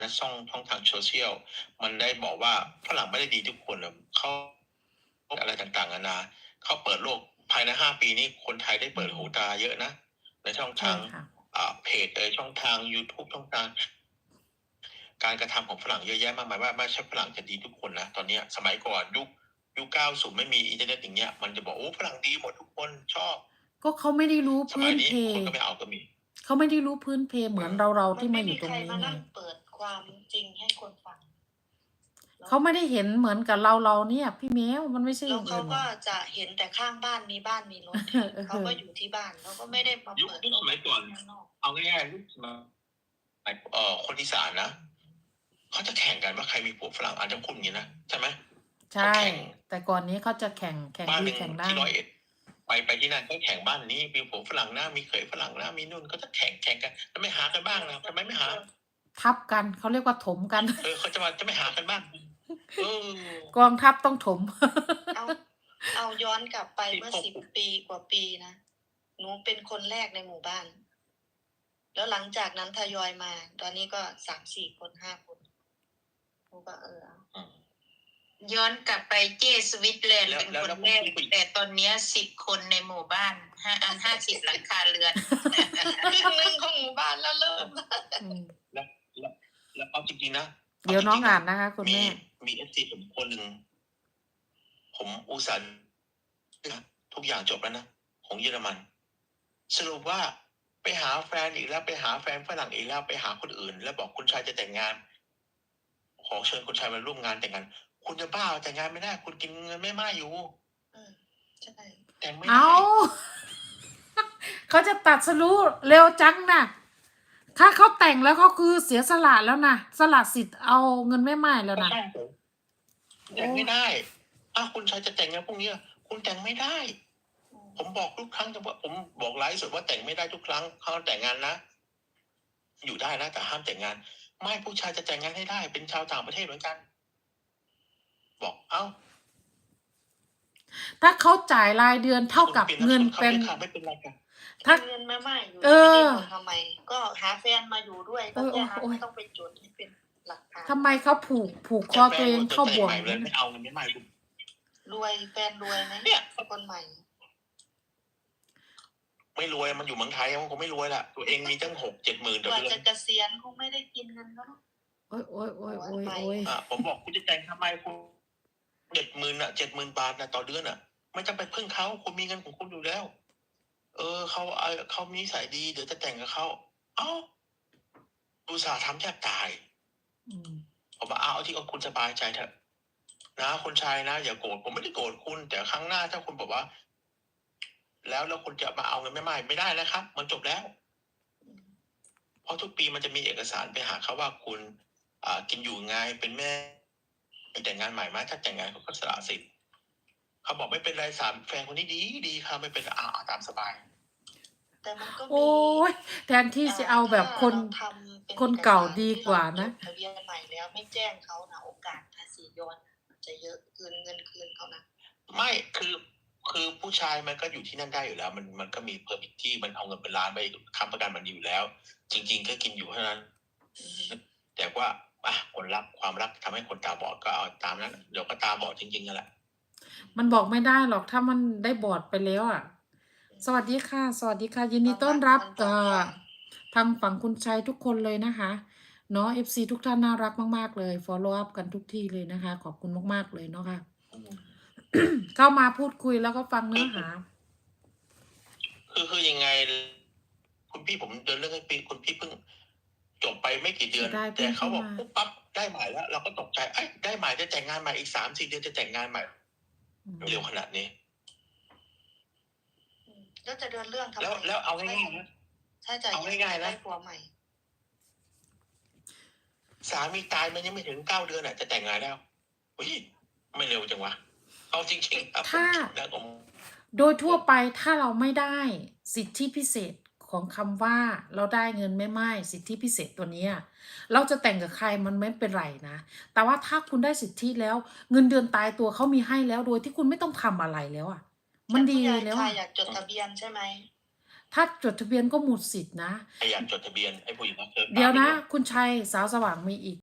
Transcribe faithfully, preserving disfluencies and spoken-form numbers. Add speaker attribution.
Speaker 1: นะช่องช่องทางโซเชียลมันได้บอกว่าฝรั่งไม่ได้ดีทุกคนนะเขาอะไรต่างๆนานาเขาเปิดโลกภายในห้าปีนี้คนไทยได้เปิดหูตาเยอะนะในช่องทางอ่าเพจเอยช่องทาง YouTube ช่องทาง การกระทำของฝรั่งเยอะแยะมากมายว่าไม่ใช่ฝรั่งจะดีทุกคนนะตอนนี้สมัยก่อนยุคยุคเก้าสิบไม่มีอินเทอร์เน็ตอย่างเงี้ยมันจะบอกโอ้ฝรั่งดีหมดทุกคนชอบ
Speaker 2: ก็เขาไม่ได้รู้
Speaker 1: ส
Speaker 2: พื้นเพ
Speaker 1: มัยนี้คนก็ไม่เอาก็มี
Speaker 2: เขาไม่ได้รู้พื้นเพเหมือนเราเราที่มาอยู่ตรงนี้
Speaker 3: มันไม่มีใครมา
Speaker 2: ไง
Speaker 3: นั่งเปิดความจริงให้คนฟัง
Speaker 2: เขาไม่ได้เห็นเหมือนกับเราเราเนี่ยพี่แมวมันไม่ใช่
Speaker 3: แล้
Speaker 2: อ
Speaker 3: ว
Speaker 2: ย่าง
Speaker 3: เขา
Speaker 2: อื่นหร
Speaker 3: ก็
Speaker 2: อก
Speaker 3: จะเห็นแต่ข้างบ้านมีบ้านมีรถ
Speaker 2: เออ
Speaker 3: เขาก็อยู่ที่บ้านเขาก็ไม่ได้มา
Speaker 1: ยุค
Speaker 3: เปิด
Speaker 1: ยุคสมัยก่อน
Speaker 3: ข้างนอก
Speaker 1: เอาง่ายๆยุคสมัยเอ่อคนอีสานนะเขาจะแข่งกันว่าใครมีผัวฝรั่งอาจจะพูดอย่างนี้นะใช่ไหม
Speaker 2: ใช่ แต่ก่อนนี้เขาจะแข่งแข่ง
Speaker 1: บ้านห
Speaker 2: ดี
Speaker 1: นึ่ง
Speaker 2: แข่งได้
Speaker 1: ที่ร้อยเอ็ดไปไปที่นั่นก็แข่งบ้านนี้มีผัวฝรั่งนะมีเขยฝรั่งนะมีนู่นก็จะแข่งแข่งกันแล้วไม่หากันบ้างนะทำไมไม่หา
Speaker 2: ทับกันเขาเรียกว่าถมกัน
Speaker 1: เออเขาจะมาจะไม่หากันบ้างเออก
Speaker 2: องทัพต้องถม
Speaker 3: เอาเอาย้อนกลับไปเมื่อสิบปีกว่าปีนะหนูเป็นคนแรกในหมู่บ้าน แล้วหลังจากนั้นทยอยมา ตอนนี้ก็สามสี่คนห้าคนหนูก็เออ
Speaker 4: ย้อนกลับไปเจสวิตแลนด์เป็นคนแรกแต่ตอนนี้สิบคนในหมู่บ้านห้าอันห้าสิบหลังคาเรือน
Speaker 3: ครึ่งหนึ่งของหมู่บ้านแล้วเริ่ม
Speaker 1: แล้วแล้วแล้วเอาจริงๆนะ
Speaker 2: เดี๋ยวน้องอ่านนะคะคุณ
Speaker 1: มี
Speaker 2: แม่
Speaker 1: มีเอฟซีผมคนหนึ่งผมอุตส่าห์ทุกอย่างจบแล้วนะของเยอรมัน สรุปว่าไปหาแฟนอีกแล้วไปหาแฟนฝรั่งอีกแล้วไปหาคนอื่น แล้วบอกคุณชายจะแต่งงาน ขอเชิญคุณชายมาร่วมงานแต่งงาน คุณจะบ้าแต่งงานไม่ได้ คุณกินเงินไม่มากอยู่
Speaker 3: อืมใช่
Speaker 1: แต่งไม่
Speaker 2: เอา
Speaker 1: ได้
Speaker 2: เขาจะตัดสรู้เร็วจังนะถ้าเขาแต่งแล้วเขาคือเสียสละแล้วนะสละสิทธิ์เอาเงินแม่ไม้แล้วนะ
Speaker 1: ใช่ผมแต่งไม่ได้อ้าวคุณชายจะแต่งงานพวกนี้คุณแต่งไม่ได้ ผมบอกทุกครั้งแต่ว่าผมบอกไลฟ์สดว่าแต่งไม่ได้ทุกครั้งเขาแต่งงานนะ อยู่ได้นะแต่ห้ามแต่งงาน ไม่ผู้ชายจะแต่งงานให้ได้ เป็นชาวต่างประเทศเหมือนกัน บอกเอ้า
Speaker 2: ถ้าเขาจ่ายรายเดือนเท่ากับเงินเป็น
Speaker 1: ไม่เป็นไรกัน
Speaker 2: ถ้า
Speaker 3: เงินมาไม่อยู่
Speaker 2: เออ
Speaker 3: ไม่ได้บอกทำไม ก็หาแฟนมาอยู่ด้วยก็แค่นั้นไม่ต้องไปจดให้เป็นหลักฐาน
Speaker 2: ทำไมเขาผูกผูกคอตัวเองเข้าบ่วง
Speaker 1: เลยไม่เอาเงินไม่ไม่
Speaker 3: รวยแฟนรวยไหม
Speaker 1: เนี่ย
Speaker 3: คนใหม่
Speaker 1: ไม่รวยมันอยู่เมืองไทยมันคงไม่รวยละตัวเองมีตั้งหกเจ็ดหมื่น
Speaker 3: ก
Speaker 1: ต่อ
Speaker 3: ว่า
Speaker 1: เดือ
Speaker 3: จะ
Speaker 1: น
Speaker 3: เกษียณคงไม่ได้กินเงินแล้วเนอะ
Speaker 2: โอ้ยโอ้ยโอ้ยโอ้ยโอ้ย
Speaker 1: อ่ะผมบอกคุณจะแต่งทำไมคุณเจ็ดหมื่นอ่ะเจ็ดหมื่นบาทนะต่อเดือนอ่ะ ไม่จำไปพึ่งเขาคุณมีเงินของคุณอยู่แล้ว เออเขาเออเขามีสายดีเดี๋ยวจะแต่งกับเขาเอ้าอุตส่าห์ทำแทบตาย
Speaker 2: อืม
Speaker 1: ผมว่าเอาที่คุณสบายใจเถอะนะคนชายนะอย่าโกรธผมไม่ได้โกรธคุณ แต่ครั้งหน้าถ้าคุณบอกว่า แล้วแล้วคุณจะมาเอาเงินไม่ไม่ไม่ได้นะครับ มันจบแล้ว เพราะทุกปีมันจะมีเอกสารไปหาเขาว่าคุณ อ่ากินอยู่ไงเป็นแม่แต่งงานใหม่ไหมถ้าแต่งงานเขาก็สละสิทธิ์เขาบอกไม่เป็นไรสามแฟนคนนี้ดีดีค่ะไม่เป็นอ่าตามสบาย
Speaker 3: แต่มันก็มี
Speaker 2: โอ้ยแทนที่จะเอาแบบคน
Speaker 3: ถ้าเราทำเป็น
Speaker 2: คนเก่าดีกว่านะ
Speaker 3: ทะเบียนใหม่แล้วไม่แจ้งเขานะโอกาสภาษีย้อนมันจะเยอะคืนเงินคืนเขานะ
Speaker 1: ไม่คือคือผู้ชายมันก็อยู่ที่นั่นได้อยู่แล้ว มันมันก็มีเพอร์มิทที่มันเอาเงินเป็นล้านไปค้ำประกันมันอยู่แล้ว จริง ๆ ก็กินอยู่เท่านั้น แต่ว่าอ่ะคนรักความรักทำให้คนตาบอดก็เอาตามนั้นเดี๋ยวก็ตาบอดจริงๆนั่นแหละ
Speaker 2: มันบอกไม่ได้หรอกถ้ามันได้บอดไปแล้วอ่ะ สวัสดีค่ะ สวัสดีค่ะ ยินดีต้อนรับเอ่อทางฝั่งคุณชัยทุกคนเลยนะคะเนาะ เอฟ ซี ทุกท่านน่ารักมากๆเลย follow up กันทุกที่เลยนะคะ ขอบคุณมากๆเลยเนาะค่ะ เข้ามาพูดคุยแล้วก็ฟังเนื้อหา
Speaker 1: คือคือยังไง คุณพี่ผมเดินเรื่องให้ปีคุณพี่เพิ่งจบไปไม่กี่เดือน
Speaker 2: ได้เพิ่
Speaker 1: แต่
Speaker 2: ง
Speaker 1: เขาบอก
Speaker 2: เข้ามา
Speaker 1: ปุ๊บปั๊บได้หมายแล้ว เราก็ตกใจเอ้ยได้หมายจะแต่งงานใหม่อีกสามสี่เดือนจะแต่งงานใหม่
Speaker 2: อืม
Speaker 1: เร็วขนาดนี้
Speaker 3: อืมแล้วจะเดินเรื่องทำไม
Speaker 1: แล้วแล้วเอาง่ายๆนะ
Speaker 3: ถ้าจะ
Speaker 1: เอาง่ายๆนะ
Speaker 3: ได้ผัวใหม่
Speaker 1: สามีตายมันยังไม่ถึงเก้าเดือนอ่ะจะแต่งงานแล้วอุ้ยไม่เร็วจังวะเอาจริงๆครับผม
Speaker 2: ถ้า
Speaker 1: คิดนะผม
Speaker 2: โดยทั่วไปถ้าเราไม่ได้สิทธิพิเศษของคำว่าเราได้เงินไม่ไม้สิทธิพิเศษตัวเนี้ยเราจะแต่งกับใครมันไม่เป็นไรนะ แต่ว่าถ้าคุณได้สิทธิแล้วเงินเดือนตายตัวเขามีให้แล้วโดยที่คุณไม่ต้องทำอะไรแล้วอ่ะ มันดี
Speaker 3: แต่ผู้ใหญ่
Speaker 2: แล้ว
Speaker 3: ค่ะ
Speaker 2: อะ
Speaker 3: อยากจดทะเบียนใช่ไหม
Speaker 2: ถ้าจดทะเบียนก็หมดสิทธินะ
Speaker 1: พยายามจดทะเบียนให้ผู้หญิงพักเทิร์ม
Speaker 2: เดี๋ยวนะ
Speaker 1: ตามไป
Speaker 2: คุณชัยสาวสว่างมีอีก